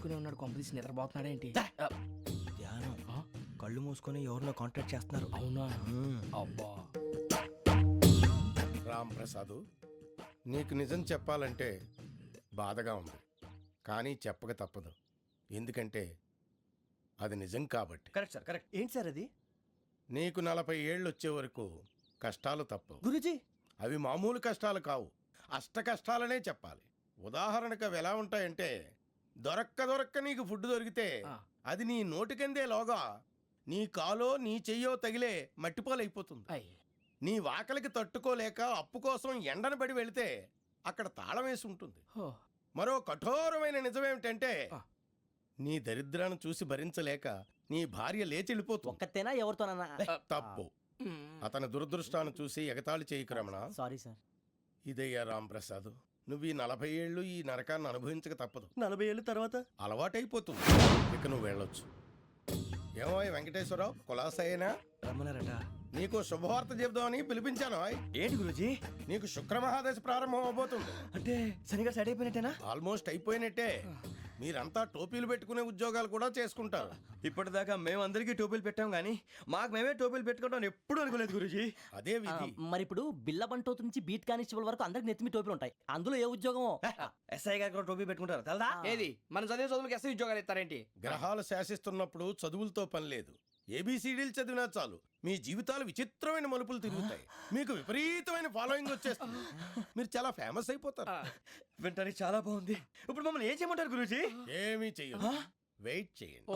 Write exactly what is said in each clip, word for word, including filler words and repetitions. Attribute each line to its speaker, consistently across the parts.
Speaker 1: మూసుకునే ఉన్నాడు, కొంపదీసి నిద్రపోతున్నాడేంటి?
Speaker 2: ధ్యానం కళ్ళు మూసుకొని ఎవరినో కాంటాక్ట్ చేస్తున్నారు.
Speaker 1: అవునా? అబ్బా
Speaker 3: రామ్ ప్రసాద్, నీకు నిజం చెప్పాలంటే బాధగా ఉంది, కానీ చెప్పక తప్పదు. ఎందుకంటే అది నిజం కాబట్టి.
Speaker 2: Correct sir, correct. ఏంటి సార్ అది?
Speaker 3: నీకు నలభై ఏళ్ళు వచ్చే వరకు కష్టాలు తప్పవు
Speaker 2: గురూజీ.
Speaker 3: అవి మామూలు కష్టాలు కావు, అష్ట కష్టాలనే చెప్పాలి. ఉదాహరణకు అవి ఎలా ఉంటాయంటే, దొరక్క దొరక్క నీకు ఫుడ్ దొరికితే అది నీ నోటికందే లోగా నీ కాలో నీ చెయ్యో తగిలే మట్టిపాలైపోతుంది. నీ వాకలికి తట్టుకోలేక అప్పు కోసం ఎండను పడి వెళితే అక్కడ తాళం వేసి ఉంటుంది. మరో కఠోరమైన నిజమేమిటంటే, నీ దరిద్రాన్ని చూసి భరించలేక నీ భార్య లేచి వెళ్ళిపోతుంది.
Speaker 4: ఒక్కతేనా ఎవరితోనన్నా?
Speaker 3: తప్పు. అతని దురదృష్టాన్ని చూసి ఎగతాళి చేయకు రమణ.
Speaker 4: Sorry sir.
Speaker 3: ఇదయ్యా రాంప్రసాద్, నువ్వు ఈ నలభై ఏళ్ళు ఈ నరకాన్ని అనుభవించక తప్పదు.
Speaker 2: నలభై ఏళ్ళ తర్వాత
Speaker 3: అలవాటైపోతుంది, ఇక నువ్వు వెళ్ళొచ్చు. ఏమో వెంకటేశ్వరరావు, కులాసైనా
Speaker 2: రమ్మన్నారట.
Speaker 3: నీకు శుభవార్త చెబుదామని పిలిపించాను.
Speaker 2: ఏంటి గురూజీ?
Speaker 3: నీకు శుక్రమహాదశ ప్రారంభం అవబోతుంది.
Speaker 2: అంటే సరిగా సెట్ అయిపోయినట్టేనా?
Speaker 3: ఆల్మోస్ట్ అయిపోయినట్టే. మీరంతా టోపీలు పెట్టుకునే ఉద్యోగాలు కూడా చేసుకుంటారు.
Speaker 2: ఇప్పటిదాకా మేము అందరికీ టోపీలు పెట్టాం గానీ మాకు మేమే టోపీలు పెట్టుకుంటాం ఎప్పుడు అనుకోలేదు గురూజీ.
Speaker 3: అదే విధి.
Speaker 4: మరి ఇప్పుడు బిల్ల బంటోతు నుంచి బీట్ కానిస్టేబుల్ వరకు అందరికి నెత్తిమి టోపీలు ఉంటాయి. అందులో ఏ ఉద్యోగమో?
Speaker 2: ఎస్ఐ గారు కూడా టోపీ పెట్టుకుంటారు తెలదా?
Speaker 1: ఏది మన చదివే చదువులకు ఎస్ఐ ఉద్యోగాలు ఇస్తారేంటి?
Speaker 3: గ్రహాలు శాసిస్తున్నప్పుడు చదువులతో పని లేదు. ఏబిసిడీలు చదివినా చాలు మీ జీవితాలు విచిత్రమైన మలుపులు తిరుగుతాయి. మీకు విపరీతమైన ఫాలోయింగ్ వచ్చేస్తుంది. మీరు చాలా ఫేమస్ అయిపోతారు.
Speaker 2: వింటానికి చాలా బాగుంది. ఇప్పుడు మమ్మల్ని ఏం చేయమంటారు గురూజీ?
Speaker 3: ఏమీ చెయ్యదు, వెయిట్ చేయండి.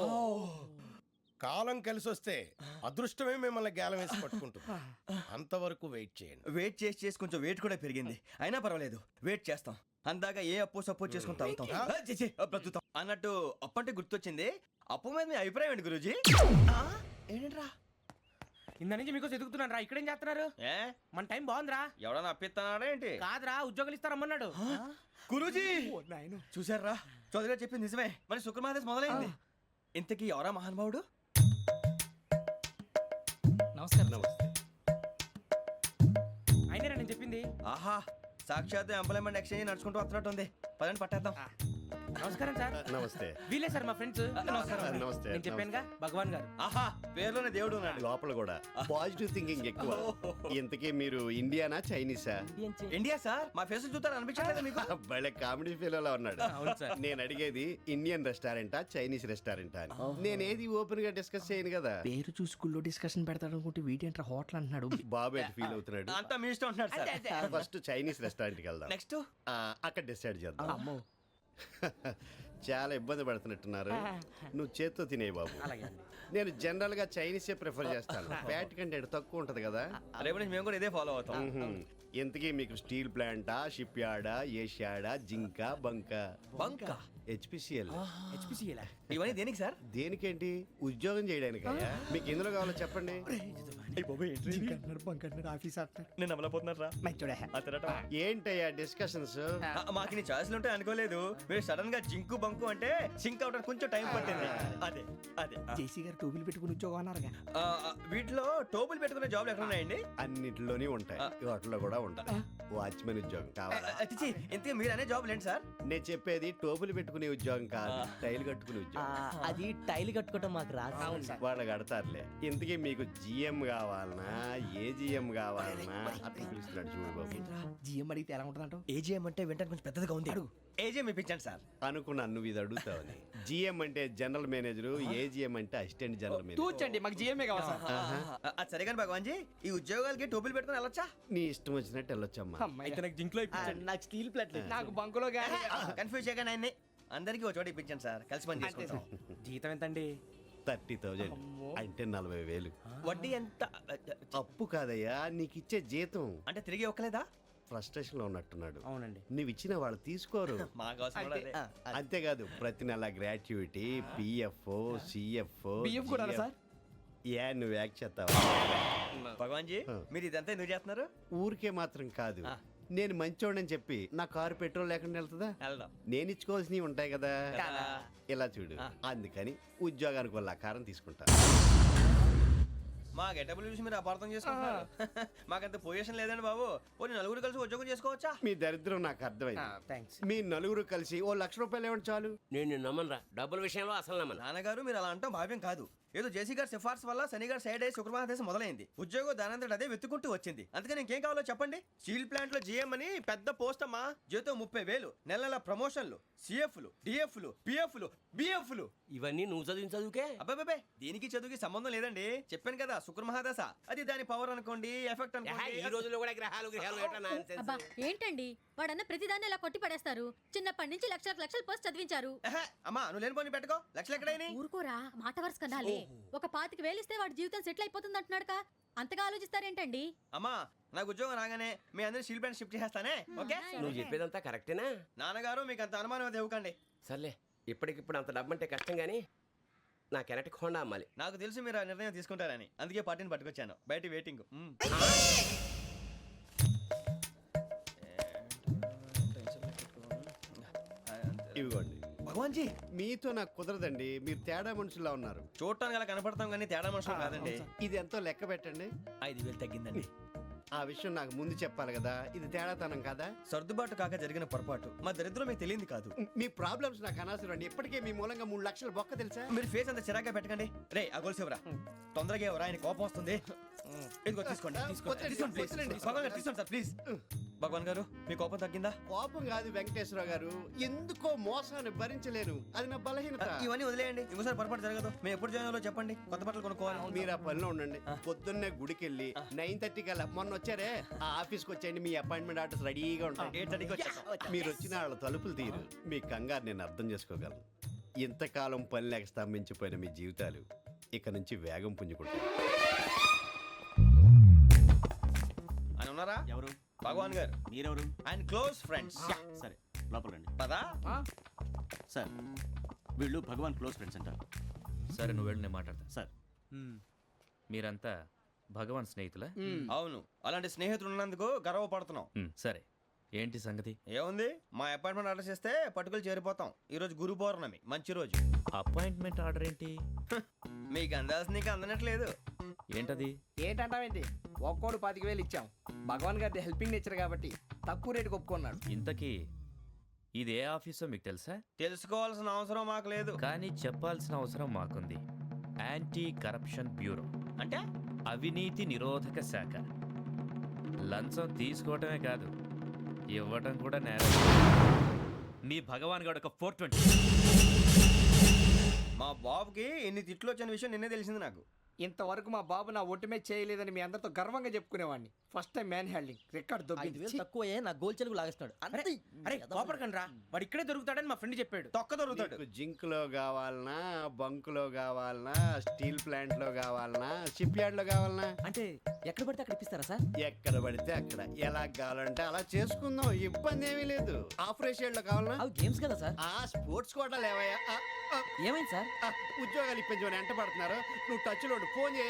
Speaker 3: కాలం కలిసి వస్తే అదృష్టమే మిమ్మల్ని గేలం వేసి పట్టుకుంటుంది. అంతవరకు వెయిట్ చేయండి.
Speaker 2: వెయిట్ చేసి చేసి కొంచెం వెయిట్ కూడా పెరిగింది. అయినా పర్వాలేదు, వెయిట్ చేస్తాం. అందాక ఏ అప్పు సపోర్ట్ చేసుకుని తాగుతాం. ఆ, ఛీ, ఛీ, బ్రతుకుతాం అన్నట్టు. అప్పు అంటే గుర్తొచ్చింది, అప్పు మీద మీ అభిప్రాయం ఏంటి గురూజీ? ఏంటరా
Speaker 1: ఇంత నుంచి మీకు ఎదుగుతున్నాను రా, ఇక్కడేం చేస్తున్నారు?
Speaker 2: ఏ
Speaker 1: మన టైం బాగుందిరా.
Speaker 2: ఎవడన్నా అప్పిస్తున్నాడా ఏంటి?
Speaker 1: కాదురా, ఉద్యోగాలు ఇస్తారమ్మన్నాడు.
Speaker 2: గురూజీ చూసారా, చౌదరిగా చెప్పింది నిజమే. మరి శుక్రమహాదేశ్ మొదలైంది. ఇంతకీ ఎవరా మహానుభావుడు?
Speaker 1: నమస్కారం. నమస్తే. అయినా నేను చెప్పింది.
Speaker 2: ఆహా, సాక్షాత్ ఎంప్లాయ్మెంట్ ఎక్స్చేంజ్ నడుచుకుంటూ వస్తున్నట్టు ఉంది. పదండి పట్టేద్దాం.
Speaker 1: నమస్కారం సార్.
Speaker 5: నమస్తే.
Speaker 1: వీలే సార్ మా ఫ్రెండ్స్.
Speaker 5: నమస్తే.
Speaker 1: నేను చెప్పానుగా, భగవాన్ గారు.
Speaker 2: ఆహా, పేరులోనే దేవుడు ఉన్నాడు.
Speaker 5: లోపల కూడా పాజిటివ్ థింకింగ్ ఎక్కువ. ఇంతకీ మీరు ఇండియానా చైనీసా?
Speaker 2: India sir. మా ఫేస్ చూస్తారు అనిపించలేదు మీకు?
Speaker 5: భలే కామెడీ ఫీల్ అలా ఉన్నాడు. నేను అడిగేది ఇండియన్ రెస్టారెంటా చైనీస్ రెస్టారెంటా అని. నేను ఏది ఓపెన్ గా డిస్కస్ చేయను కదా.
Speaker 1: పేరు చూసి స్కూల్లో డిస్కషన్ పెడతాడు అనుకుంటే వీటేంట్రా హోటల్ అంటున్నాడు.
Speaker 5: బాబు ఎట్ ఫీల్ అవుతున్నాడు.
Speaker 2: అంతా మీ ఇష్టం ఉంటున్నాడు సార్.
Speaker 5: ఫస్ట్ చైనీస్ రెస్టారెంట్ కి వెళ్దాం.
Speaker 2: నెక్స్ట్
Speaker 5: అక్కడ డిసైడ్ చేద్దాం. చాలా ఇబ్బంది పడుతున్నట్టున్నారు. నువ్వు చేత్తో తినే బాబు. నేను జనరల్ గా చైనీసే ప్రిఫర్ చేస్తాను. ఫ్యాట్ కంటెంట్ తక్కువ ఉంటది కదా.
Speaker 2: రేపు నుంచి మేము కూడా ఇదే ఫాలో అవుతాం.
Speaker 5: ఇంతకీ మీకు స్టీల్ ప్లాంటా, షిప్ యార్డా, ఏషియాడా, జింక, బంక?
Speaker 2: బంక,
Speaker 5: హెచ్పిసిఎల్.
Speaker 1: హెచ్పిసిఎల్
Speaker 2: ఇవన్నీ దేనికి సార్?
Speaker 5: దేనికేంటి? ఉద్యోగం చేయడానికి. మీకు ఎందులో కావాలో చెప్పండి.
Speaker 2: నేను అమలపోతున్నారా?
Speaker 5: ఏంటయ్యా డిస్కషన్స్?
Speaker 2: మాకు నీ ఛాయిస్లు ఉంటాయి అనుకోలేదు. మీరు సడన్ గా జింకు బంకు అంటే సింక్ అవడానికి కొంచెం టైం పట్టింది. అదే అదే
Speaker 1: జేసీ గారు టోపీలు పెట్టుకుని ఉద్యోగం అన్నారుగా.
Speaker 2: ఆ, వీటిలో టోపులు పెట్టుకునే జాబ్లు ఎక్కడ ఉన్నాయండి?
Speaker 5: అన్నిటిలోనే ఉంటాయి, వాటిలో కూడా ఉంటాయి. వాచ్మెన్ ఉద్యోగం కావాలా?
Speaker 2: అతిచి ఇంతకీ మీరు అనే జాబ్ ఏంటి సార్?
Speaker 5: నేను చెప్పేది టోపులు పెట్టుకునే ఉద్యోగం కాదు, టైల్ కట్టుకునే ఉద్యోగం.
Speaker 4: అది టైల్ కట్టుకోవటం మాకు రాదు.
Speaker 5: వాళ్ళు కడతారులే. ఇంతకీ మీకు జిఎం కావాలనా, ఏ జిఎం కావాలనా? అట్లా పిలుస్తున్నాడు చూడు బాబు.
Speaker 1: జిఎం అడిగితే ఎలా ఉంటుందంట?
Speaker 2: ఏజీఎం అంటే వింటానికి కొంచెం పెద్దదిగా ఉంది. అడుగు. ఏజీఎం ఇప్పించండి సార్.
Speaker 5: అనుకున్నాను నువ్వు ఇది అడుగుతావని. జిఎం అంటే జనరల్ మేనేజర్, ఏజిఎం అంటే అసిస్టెంట్ జనరల్ మేనేజర్.
Speaker 1: తూచండి, మాకు జిఎంఏ కావాలి సార్.
Speaker 2: అది సరే కానీ భగవాన్ జీ, ఈ ఉద్యోగాలకి టోపులు పెట్టుకుని వెళ్ళొచ్చా?
Speaker 5: నీ ఇష్టం వచ్చినట్టు వెళ్ళొచ్చమ్మా.
Speaker 1: అయితే నాకు జింక్లో
Speaker 4: నాకు స్టీల్ ప్లేట్,
Speaker 1: నాకు బంకులో గానీ.
Speaker 2: కన్ఫ్యూజ్ చేయగానే ఆయన్ని అందరికీ ఒక చోట ఇప్పించండి సార్, కలిసి పని చేసుకుంటాం.
Speaker 1: జీతం ఎంతండి?
Speaker 5: థర్టీ థౌజండ్ అంటే నలభై వేలు.
Speaker 2: వడ్డీ ఎంత?
Speaker 5: అప్పు కాదయ్యా, నీకు ఇచ్చే జీతం.
Speaker 2: అంటే తిరిగి ఒక్కలేదా?
Speaker 5: ఫ్రస్ట్రేషన్ లో ఉన్నట్టున్నాడు.
Speaker 1: అవునండి.
Speaker 5: నువ్వు ఇచ్చిన వాళ్ళు తీసుకోరు.
Speaker 2: మాకు అవసరం కూడా అదే.
Speaker 5: అంతేకాదు ప్రతి నెల గ్రాట్యుటీ, పిఎఫ్, సిఎఫ్.
Speaker 1: బియ్యం కూడా సార్?
Speaker 5: ఏ నువ్వు యాక్ట్ చేస్తావా?
Speaker 2: భగవాన్ జీ, మీరు ఇదంతా ఎందుకు చేస్తున్నారు?
Speaker 5: ఊరికే మాత్రం కాదు, నేను మంచోడని చెప్పి నా కారు పెట్రోల్ లేకుండా వెళ్తుందా?
Speaker 2: వెళ్దాం.
Speaker 5: నేను ఇచ్చుకోవాల్సినవి ఉంటాయి కదా. ఇలా చూడు, అందుకని ఉద్యోగానికి వాళ్ళ ఆకారం తీసుకుంటా.
Speaker 2: మా గెటబుల్ చూసి మీరు అపార్థం చేసుకుంటున్నారు. మాకంత పొజిషన్ లేదండి బాబు. ఓ నలుగురు కలిసి ఉద్యోగం చేసుకోవచ్చా?
Speaker 5: మీ దరిద్రం నాకు అర్థమైంది.
Speaker 1: థ్యాంక్స్.
Speaker 5: మీ నలుగురు కలిసి ఓ లక్ష రూపాయలు ఇవ్వండి చాలు.
Speaker 6: నేను నమ్మనరా డబ్బుల విషయంలో అసలు నమ్మను.
Speaker 2: నాన్నగారు మీరు అలా అంటాం భావ్యం కాదు. ఏదో జేసీ గారి సిఫార్సు వల్ల శని గారు సైడ్ అయ్యి శుక్రమహాదేశం మొదలైంది. ఉద్యోగం దానంతటి అదే వెతుకుంటూ వచ్చింది. అందుకని ఇంకేం కావాలో చెప్పండి. స్టీల్ ప్లాంట్ లో జీఎం అని పెద్ద పోస్ట్ అమ్మా. జీతం ముప్పై వేలు, నెల నెల ప్రమోషన్లు, సిఎఫ్లు, డిఎఫ్లు, పిఎఫ్లు, బిఎఫ్లు.
Speaker 6: ఇవన్నీ నువ్వు చదివిన చదువుకే.
Speaker 2: అబ్బాబే దీనికి చదువుకి సంబంధం లేదండి. చెప్పాను కదా శుక్రమహాదశ. అది దాని పవర్ అనుకోండి, ఎఫెక్ట్
Speaker 6: ఏహే, ఈ
Speaker 2: అనుకోండి.
Speaker 6: రోజుల్లో కూడా గ్రహాలు గ్రహాలు ఏటా nonsense?
Speaker 7: అబ్బా ఏంటండి వాడన్న ప్రతిదాన్ని ఇలా కొట్టి పడేస్తారు. చిన్నప్పటి నుంచి లక్షలకు లక్షలు పోస్ట్ చదివించారు.
Speaker 2: ఏహే, అమ్మా నువ్వు లేని పోనీ పెట్టుకో. లక్షలు ఎక్కడైనా
Speaker 7: ఊరుకోరా మాట వరుస కదాలే. ఒక పాతికి వేలిస్తే వాడి జీవితం సెటిల్ అయిపోతుంది అంటున్నాడుగా. అంతగా ఆలోచిస్తారేంటండి?
Speaker 2: అమ్మా నాకు ఉద్యోగం రాగానే మీ అందరి స్టీల్ ప్లాంట్ షిఫ్ట్ చేస్తానే. ఓకే
Speaker 6: నువ్వు చెప్పేదంతా కరెక్టేనా?
Speaker 2: నాన్నగారు మీకు అంత అనుమానం అయితే ఇవ్వకండి.
Speaker 6: సర్లే, ఇప్పటికిప్పుడు అంత డబ్బు అంటే కష్టం కానీ నా కెనటిక్ హోండా అమ్మాలి.
Speaker 2: నాకు తెలుసు మీరు ఆ నిర్ణయం తీసుకుంటారని, అందుకే పార్టీని పట్టుకొచ్చాను. బయట వెయిటింగ్. మ్మ్.
Speaker 5: ఇవ్వండి.
Speaker 2: భగవాన్ జీ
Speaker 5: మీతో నాకు కుదరదండి. మీరు తేడా మనుషుల్లా ఉన్నారు.
Speaker 2: చూడటానికి అలా కనపడతాం కానీ తేడా మనుషులు కాదండి.
Speaker 5: ఇది ఎంతో లెక్క పెట్టండి.
Speaker 2: ఐదు వేలు తగ్గిందండి.
Speaker 5: ఆ విషయం నాకు ముందు చెప్పాలి కదా. ఇది తేడాతనం కదా.
Speaker 2: సర్దుబాటు కాక జరిగిన పొరపాటు. మా దరిద్రం మీకు తెలియంది కాదు.
Speaker 5: మీ ప్రాబ్లమ్స్ నాకు అనవసరం అండి. ఇప్పటికే మీ మూలంగా మూడు లక్షలు బొక్క తెలుసా.
Speaker 2: మీరు ఫేస్ అంత చిరాగ్గా పెట్టకండి. రే ఆ గొలుసేవరా తొందరగా ఎవరా, ఆయన కోపం వస్తుంది. ఇదిగో తీసుకోండి. తీసుకోండి.
Speaker 5: వద్దండి,
Speaker 2: తీసుకోండి, ప్లీజ్.
Speaker 5: వద్దండి.
Speaker 2: భగవాన్ గారు తీసుకోండి సార్ ప్లీజ్. భగవాన్ గారు మీ కోపం తగ్గిందా?
Speaker 5: కోపం కాదు వెంకటేశ్వర గారు, ఎందుకో మోసాన్ని భరించలేను. అది నా బలహీనత.
Speaker 2: ఇవన్నీ వదిలేయండి. ఇంకోసారి పొరపాటు జరగదు. మేము ఎప్పుడు జాయిన్ అవ్వాలో చెప్పండి. కొత్త బట్టలు కొనుక్కోవాలి.
Speaker 5: మీరు ఆ పనిలో ఉండండి. పొద్దున్నే గుడికి వెళ్ళి నైన్ థర్టీ కల్లా మొన్న వచ్చారే ఆ ఆఫీస్కి వచ్చేయండి. మీ అపాయింట్మెంట్ ఆర్డర్స్ రెడీగా ఉంటాయి.
Speaker 2: ఎయిట్ థర్టీకి వచ్చేస్తాం.
Speaker 5: మీరు వచ్చిన వాళ్ళ తలుపులు తీరు. మీ కంగారు నేను అర్థం చేసుకోగలను. ఇంతకాలం పని లేక స్తంభించిపోయిన మీ జీవితాలు ఇక నుంచి వేగం పుంజుకుంటాయి.
Speaker 2: ఆయన ఉన్నారా?
Speaker 8: ఎవరు?
Speaker 2: భగవాన్ గారు.
Speaker 8: మీరెవరు?
Speaker 2: ఆయన క్లోజ్ ఫ్రెండ్స్.
Speaker 8: సరే లోపల రండి.
Speaker 2: పదా
Speaker 8: సార్ వీళ్ళు భగవాన్ క్లోజ్ ఫ్రెండ్స్ అంటారు.
Speaker 1: సరే నువ్వు వెళ్ళి నేను మాట్లాడతా.
Speaker 8: సార్
Speaker 1: మీరంతా భగవాన్ స్నేహితులా?
Speaker 2: అవును, అలాంటి స్నేహితులు ఉన్నందుకు గర్వపడుతున్నాం.
Speaker 1: మ్, సరే ఏంటి సంగతి?
Speaker 2: ఏముంది, మా అపాయింట్మెంట్ ఆర్డర్ చేస్తే పట్టుకులు చేరిపోతాం. ఈ రోజు గురు పౌర్ణమి, మంచి రోజు.
Speaker 1: అపాయింట్మెంట్ ఆర్డర్ ఏంటి?
Speaker 2: మీకు అందాల్సిన నీకు అందనట్లేదు.
Speaker 1: ఏంటది?
Speaker 9: ఏంటంటావేంటి? ఒక్కోడు పాతిక వేలు ఇచ్చాం. భగవాన్ గారి హెల్పింగ్ నేచర్ కాబట్టి తక్కువ రేటుకి ఒప్పుకున్నాడు.
Speaker 1: ఇంతకీ ఇది ఏ ఆఫీసో మీకు తెలుసా?
Speaker 2: తెలుసుకోవాల్సిన అవసరం మాకు లేదు.
Speaker 1: కానీ చెప్పాల్సిన అవసరం మాకుంది. యాంటీ కరప్షన్ బ్యూరో
Speaker 2: అంటే
Speaker 1: అవినీతి నిరోధక శాఖ. లంచం తీసుకోవటమే కాదు, ఇవ్వటం కూడా నేరం. మీ భగవాన్ గారు ఒక ఫోర్ ట్వంటీ.
Speaker 2: మా బాబుకి ఎన్ని తిట్లు వచ్చిన విషయం నిన్నే తెలిసింది నాకు.
Speaker 9: ఇంతవరకు మా బాబు నా ఒట్టుమే చేయలేదని మీ అందరితో గర్వంగా చెప్పుకునేవాడిని. First time man handing record
Speaker 4: ఐదు వేలు
Speaker 9: దొబ్బింది.
Speaker 4: తక్కువ నా గోల్ చెలుగు లాగేస్తున్నాడు. అంతే.
Speaker 1: అరే కోపడకండి రా, వాడు ఇక్కడే దొరుకుతాడని మా ఫ్రెండ్ చెప్పాడు.
Speaker 2: తొక్క దొరుకుతాడు.
Speaker 5: మీకు జింక్ లో కావాలనా, బంక్ లో కావాలనా, స్టీల్ ప్లాంట్ లో కావాలనా, షిప్ యార్డ్ లో కావాలనా?
Speaker 4: అంటే ఎక్కడ పడితే అక్కడ ఇప్పిస్తారా సార్?
Speaker 5: ఎక్కడ పడితే అక్కడ ఎలా కావాలంటే అలా చేసుకుందాం. ఇబ్బంది ఏమీ లేదు. ఆపరేషన్ లో కావాలనా?
Speaker 4: అవి గేమ్స్ కదా సార్.
Speaker 5: ఆ స్పోర్ట్స్ కోటా లేవయ్యా. ఆ, ఆ,
Speaker 4: ఏమైంది సార్?
Speaker 5: ఆ, ఉద్యోగాలు ఇప్పించమని ఎంట పడుతున్నారు. నువ్వు టచ్ లో ఫోన్ చేయ.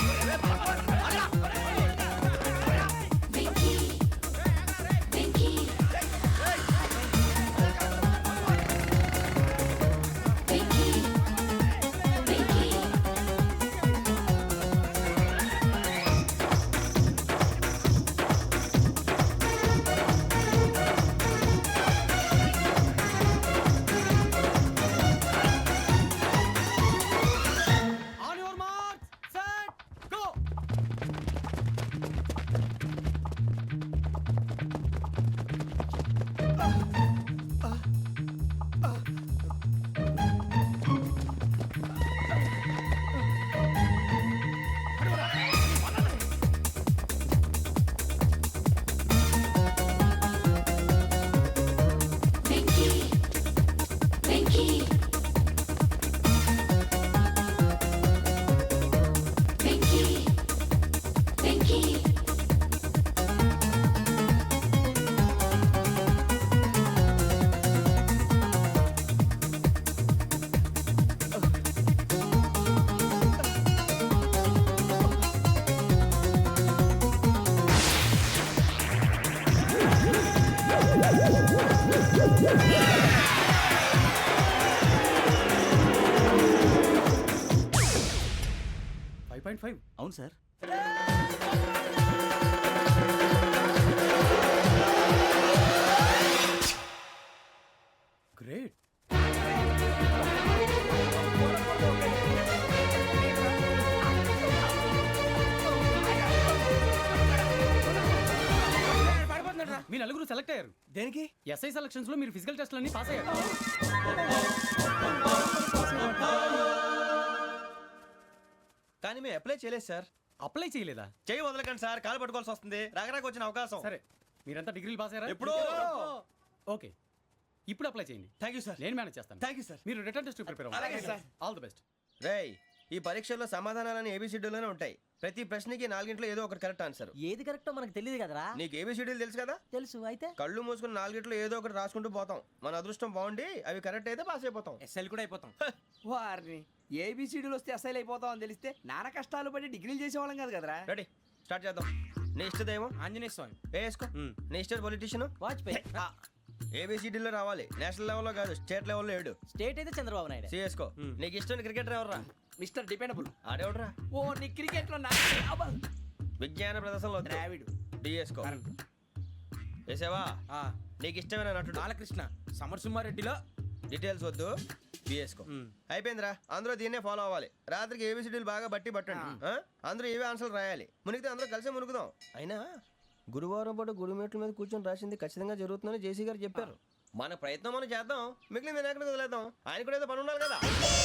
Speaker 9: On your marks set go.
Speaker 1: Five
Speaker 8: point five అవును సార్. గ్రేట్. మీ నలుగురు సెలెక్ట్ అయ్యారు.
Speaker 2: దేనికి?
Speaker 8: ఎస్ఐ సెలక్షన్స్ లో మీరు ఫిజికల్ టెస్ట్ అన్ని పాస్ అయ్యారు.
Speaker 2: కానీ మేము అప్లై చేయలేదు సార్.
Speaker 8: అప్లై చేయలేదా?
Speaker 2: చేయి వదలకండి సార్, కాలు పట్టుకోవాల్సి వస్తుంది. రాగరాకు వచ్చిన అవకాశం.
Speaker 8: సరే, మీరంతా డిగ్రీలు పాస్ అయ్యారా?
Speaker 2: ఎప్పుడో.
Speaker 8: ఓకే, ఇప్పుడు అప్లై చేయండి.
Speaker 2: Thank you sir.
Speaker 8: నేను మేనేజ్ చేస్తాను.
Speaker 2: Thank you sir.
Speaker 8: మీరు రిటర్న్ టెస్ట్ ప్రిపేర్
Speaker 2: అలాగే
Speaker 8: అవ్వండి.
Speaker 2: సార్.
Speaker 8: All the best.
Speaker 2: రేయ్, ఈ పరీక్షల్లో సమాధానాలని ఏబిసిడ్యూల్లోనే ఉంటాయి. ప్రతి ప్రశ్నకి నాలుగింట్లో ఏదో ఒకటి కరెక్ట్ ఆన్సర్.
Speaker 4: ఏది కరెక్టో మనకు తెలియదు కదరా.
Speaker 2: నీకు ఏబిసిడ్యూల్ తెలుసు కదా?
Speaker 4: తెలుసు. అయితే
Speaker 2: కళ్ళు మూసుకుని నాలుగింట్లో ఏదో ఒకటి రాసుకుంటూ పోతాం. మన అదృష్టం బాగుండి అవి కరెక్ట్ అయితే పాస్ అయిపోతాం.
Speaker 9: ఎస్ఎల్ కూడా అయిపోతాం. వారిని ఏబిసిడీలు వస్తే ఎస్ఐలు అయిపోతాం అని తెలిస్తే నాన్న కష్టాలు పడి డిగ్రీలు చేసేవాళ్ళం కాదు కదరా.
Speaker 2: రెడీ, స్టార్ట్ చేద్దాం. నీ ఇష్టదేమో
Speaker 9: ఆంజనేయ స్వామి.
Speaker 2: వేసుకో. నీ ఇష్ట పొలిటీషియన్
Speaker 4: వాజ్పేయి.
Speaker 2: ఏబిసిడీలో రావాలి. నేషనల్ లెవెల్లో కాదు, స్టేట్ లెవెల్లో ఏడు.
Speaker 4: స్టేట్ అయితే చంద్రబాబు నాయుడు.
Speaker 2: సిఎస్కో. నీకు ఇష్టం క్రికెటర్ ఎవర్రా?
Speaker 9: Mister dependable.
Speaker 2: ఆడేవడరా?
Speaker 9: ఓ నీ క్రికెట్ లో నా అబ్బా.
Speaker 2: విజ్ఞాన ప్రదర్శనలో
Speaker 9: ద్రావిడు.
Speaker 2: డిఎస్కో. వేసావా? నీకు ఇష్టమైన నటుడు?
Speaker 9: బాలకృష్ణ. సమర్సుమారెడ్డిలో
Speaker 2: డీటెయిల్స్ వద్దు, బిఎస్కో. అయిపోయిందిరా, అందరూ దీన్నే ఫాలో అవ్వాలి. రాత్రికి ఏబిసిడీలు బాగా బట్టి పట్టండి. ఆ? అందరూ ఏవే ఆన్సర్లు రాయాలి. మునిగితే అందరూ కలిసే మునుగుదాం. అయినా గురువారం పాటు గురుమేట్ల మీద కూర్చొని రాసింది ఖచ్చితంగా జరుగుతుందని జేసీ గారు చెప్పారు. మన ప్రయత్నం మనం చేద్దాం, మిగిలింది నేను ఎక్కడికి వదిలేద్దాం. ఆయన కూడా ఏదో పని ఉండాలి కదా.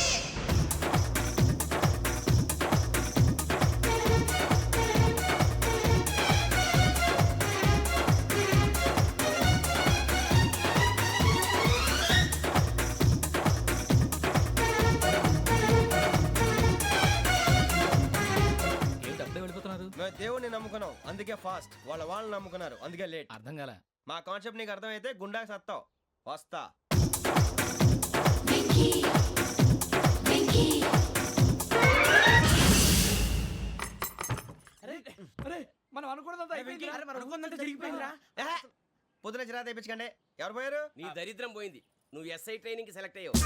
Speaker 2: మేము దేవుడిని నమ్ముకున్నాం, అందుకే ఫాస్ట్. వాళ్ళ వాళ్ళని నమ్ముకున్నారు, అందుకే లేట్.
Speaker 8: అర్థం కాలే.
Speaker 2: మా కాన్సెప్ట్ నీకు అర్థమైతే గుండా సత్తావు. వస్తా.
Speaker 9: మనం అనుకున్నదంతా అయిపోయింది. అరే, మనం అనుకున్నదంతా జరిగిపోయిందిరా.
Speaker 2: పొద్దున చిరా తెప్పించకండి. ఎవరు పోయారు?
Speaker 6: నీ దరిద్రం పోయింది. నువ్వు ఎస్ఐ ట్రైనింగ్ కి సెలెక్ట్ అయ్యావు.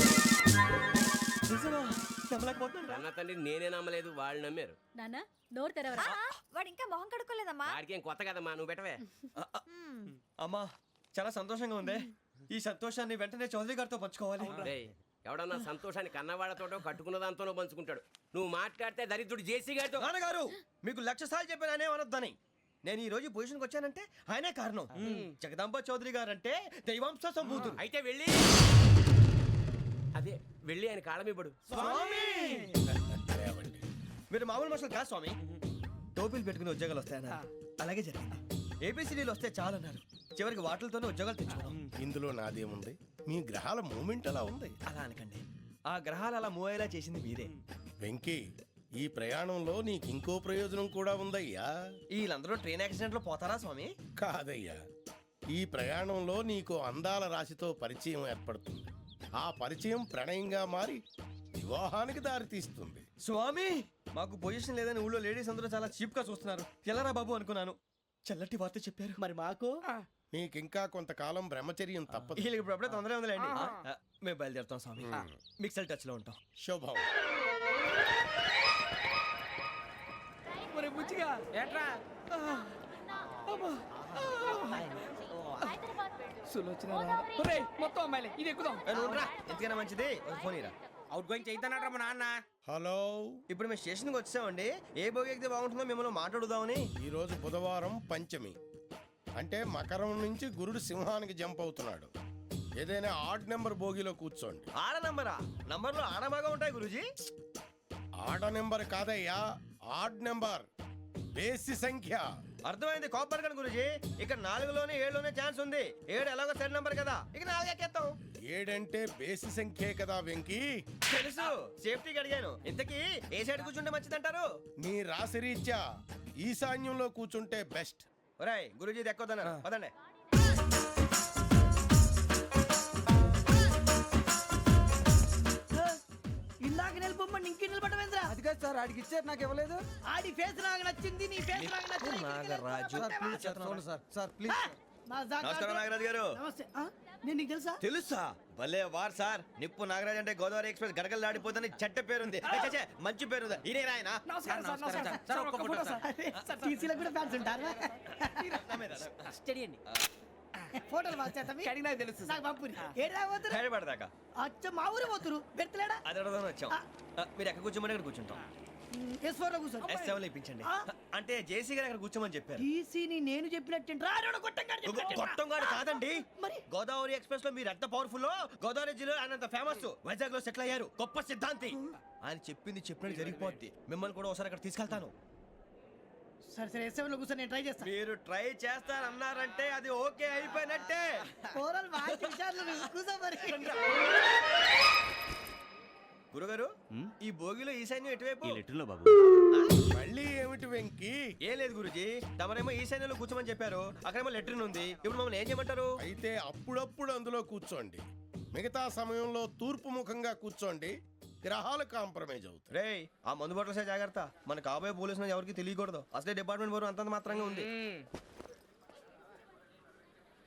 Speaker 6: అన్న తండ్రి నేనే నమ్మలేదు, వాళ్ళు నమ్మారు.
Speaker 7: నాన్న నోరు తెరవరా.
Speaker 10: వాడు ఇంకా మొహం కడుక్కోలేదమ్మా.
Speaker 6: వాడికి ఏం కొత్త కదమ్మా, నువ్వు పెట్టవే.
Speaker 2: అమ్మా, చాలా సంతోషంగా ఉంది. ఈ సంతోషాన్ని వెంటనే చౌదరి గారితో పంచుకోవాలి.
Speaker 6: రేయ్, ఎవడన్నా సంతోషాన్ని కన్నవాళ్లతోటో కట్టుకున్న దాంతోనో పంచుకుంటాడు. నువ్వు మాట్లాడితే దరిద్రుడు జేసీ గారితో.
Speaker 2: నాన్నగారు, మీకు లక్ష సార్లు చెప్పాను అనే అనొద్దని. నేను ఈ రోజు పొజిషన్కి వచ్చానంటే ఆయనే కారణం. జగదాంబ చౌదరి గారు అంటే దైవాంశ సంభూతుడు.
Speaker 6: అయితే వెళ్ళి అదే వెళ్ళి ఆయన కాళ్ళమివ్వడు.
Speaker 2: మీరు మామూలు మనుషులు కాదు స్వామి. టోపీలు పెట్టుకుని ఉద్యోగాలు వస్తాయన్నారు, అలాగే జరిగింది. ఏబిసిడీలు వస్తే చాలన్నారు, చివరికి వాటిలతోనే ఉద్యోగాలు తెచ్చుకున్నాం.
Speaker 3: ఇందులో నాదేముంది? మీ గ్రహాల మూమెంట్ అలా ఉంది.
Speaker 2: అలా అనకండి, ఆ గ్రహాలు అలా మూవ్ అయ్యేలా చేసింది మీరే.
Speaker 3: వెంకీ, ఈ ప్రయాణంలో నీకు ఇంకో ప్రయోజనం కూడా ఉందయ్యా.
Speaker 2: వీళ్ళందరూ ట్రైన్ యాక్సిడెంట్ లో పోతారా స్వామి?
Speaker 3: కాదయ్యా, ఈ ప్రయాణంలో నీకు అందాల రాశితో పరిచయం ఏర్పడుతుంది. ఆ పరిచయం ప్రణయంగా మారి వివాహానికి దారితీస్తుంది.
Speaker 2: స్వామి, మాకు పొజిషన్ లేదని ఊళ్ళో లేడీస్ అందరూ చాలా చీప్ గా చూస్తున్నారు. ఎలారా బాబు అనుకున్నాను. చల్లటి వార్త చెప్పారు.
Speaker 4: మరి మాకు
Speaker 3: నీకింకా కొంతకాలం బ్రహ్మచర్యం తప్పదు.
Speaker 2: వీళ్ళకి ఇప్పుడు అప్పుడే తొందరగా ఉందిలేండి. ఆ, మేము బయలుదేరుతాం స్వామి. మిక్సెల్ టచ్ లో ఉంటాం.
Speaker 3: శుభం.
Speaker 9: మరి బుచ్చిగా ఏట్రా సులోచన మొత్తం అమ్మాయిలే, ఇది ఎక్కుదాం.
Speaker 2: ఏ, నువ్వు రా. ఎందుకైనా మంచిది ఒక ఫోన్ ఇరా.
Speaker 9: అవుట్ గోయింగ్ చేద్దానట్రా మా నాన్న.
Speaker 3: హలో,
Speaker 2: ఇప్పుడు మేము స్టేషన్కి వచ్చామండి. ఏ బోగి ఎక్కితే బాగుంటుందో మిమ్మల్ని మాట్లాడుదామని.
Speaker 3: ఈరోజు బుధవారం పంచమి, అంటే మకరం నుంచి గురుడు సింహానికి జంప్ అవుతున్నాడు. ఏదైనా ఆడ్ నెంబర్ బోగిలో కూర్చోండి.
Speaker 2: ఆడ నంబరా? నంబర్లో ఆడ బాగా ఉంటాయి గురూజీ.
Speaker 3: ఆడ నెంబర్ కాదయ్యా, ఆడ్ నెంబర్, బేసి సంఖ్య.
Speaker 2: అర్థమైంది, కాపర్ కన్ గురూజీ. ఇక్కడ నాలుగులోనే ఏడులోనే ఛాన్స్ ఉంది. ఏడు ఎలాగో సెడ్ నంబర్ కదా, ఇక నాలుగు ఎక్కేస్తాం.
Speaker 3: ఏడంటే బేసి సంఖ్యే కదా వెంకీ.
Speaker 2: తెలుసు, సేఫ్టీకి అడిగాను. ఇంతకీ ఏ సైడ్ కూర్చుంటే మంచిదంటారు?
Speaker 3: నీ రాశి రీత్యా ఈశాన్యంలో కూర్చుంటే బెస్ట్.
Speaker 2: ఒరేయ్, గురూజీ దెక్కొద్దన్నారు, పదండి.
Speaker 4: ఇందాక నిలబొమ్మని ఇంకే నిలబడమేంద్రా?
Speaker 9: అది కాదు సార్, ఆడికి ఇచ్చారు, నాకు ఇవ్వలేదు.
Speaker 4: ఆడి ఫేస్ నాకు నచ్చింది, నీ ఫేస్ నాకు నచ్చింది.
Speaker 2: నాగరాజు
Speaker 9: సార్ ప్లీజ్ సార్, చూడండి సార్, సార్ ప్లీజ్.
Speaker 2: నమస్కారం నాగరాజు గారు.
Speaker 4: నమస్తే నేను నీకు తెలుసా
Speaker 2: తెలుసా? భలే వార్ సార్. నిప్పు నాగరాజ్ అంటే గోదావరి ఎక్స్ప్రెస్ గడగలు దాడిపోతుంది చెట్ట పేరుంది. ఏ, ఛే, ఛే, మంచి పేరుంది. ఇదే ఆయన
Speaker 4: టీసీలో కూడా ఫ్యాన్స్ ఉంటారు స్టడీ అండి ఫోటోలు
Speaker 9: కడిగినా తెలుసు సార్.
Speaker 4: నాకు పంపుని ఏడా పోతురు
Speaker 2: హైదరాబాద్
Speaker 4: అచ్చ మా ఊరు పోతురు పెడతలేడా
Speaker 2: అది అడగదామని వచ్చాం. ఆ, మీరు ఎక్కడ కూర్చోమని అక్కడ కూర్చుంటాం.
Speaker 4: ఎస్ ఫోర్ లో కూర్చోండి
Speaker 2: ఎస్ సెవెన్ లో ఇప్పించండి. అంటే జేసీ గారు అక్కడ కూర్చోమని చెప్పారు.
Speaker 4: టీసీని నేను చెప్పినట్టు
Speaker 2: గొట్టం గారు కాదండి.
Speaker 4: మరి?
Speaker 2: గోదావరి ఎక్స్ప్రెస్ లో మీరు ఎంత పవర్ఫుల్, గోదావరి జిల్లా ఆయన అంత ఫేమస్, వైజాగ్ లో సెటిల్ అయ్యారు, గొప్ప సిద్ధాంతి. ఆయన చెప్పింది చెప్పినట్టు జరిగిపోద్ది. మిమ్మల్ని కూడా ఒకసారి అక్కడ తీసుకెళ్తాను.
Speaker 4: సరే సరే ఎస్ సెవెన్ లో కూర్చొని నేను ట్రై చేస్తాను.
Speaker 2: మీరు ట్రై చేస్తారన్నారంటే అది ఓకే అయిపోయినట్టే.
Speaker 4: ఓవరాల్ బాగా చూశారు కూర్చో మరి.
Speaker 2: గురుగారు, ఈ భోగిలో ఈశాన్యం ఎటువైపు?
Speaker 8: లెటర్లో బాబు.
Speaker 3: మళ్ళీ ఏమిటి వెంకీ?
Speaker 2: ఏం లేదు గురుజీ, తమరేమో ఈశాన్యంలో కూర్చోమని చెప్పారు, అక్కడేమో లెటర్ ఉంది. ఇప్పుడు మమ్మల్ని ఏం చేయమంటారు?
Speaker 3: అయితే అప్పుడప్పుడు అందులో కూర్చోండి, మిగతా సమయంలో తూర్పు ముఖంగా కూర్చోండి. గ్రహాలు కాంప్రమైజ్ అవుతాయి.
Speaker 2: రేయ్, ఆ మందు బాటలసే జాగ్రత్త. మన కాబోయే పోలీసులు ఎవరికి తెలియకూడదు. అసలే డిపార్ట్మెంట్ బోరు అంతంత మాత్రంగా ఉంది.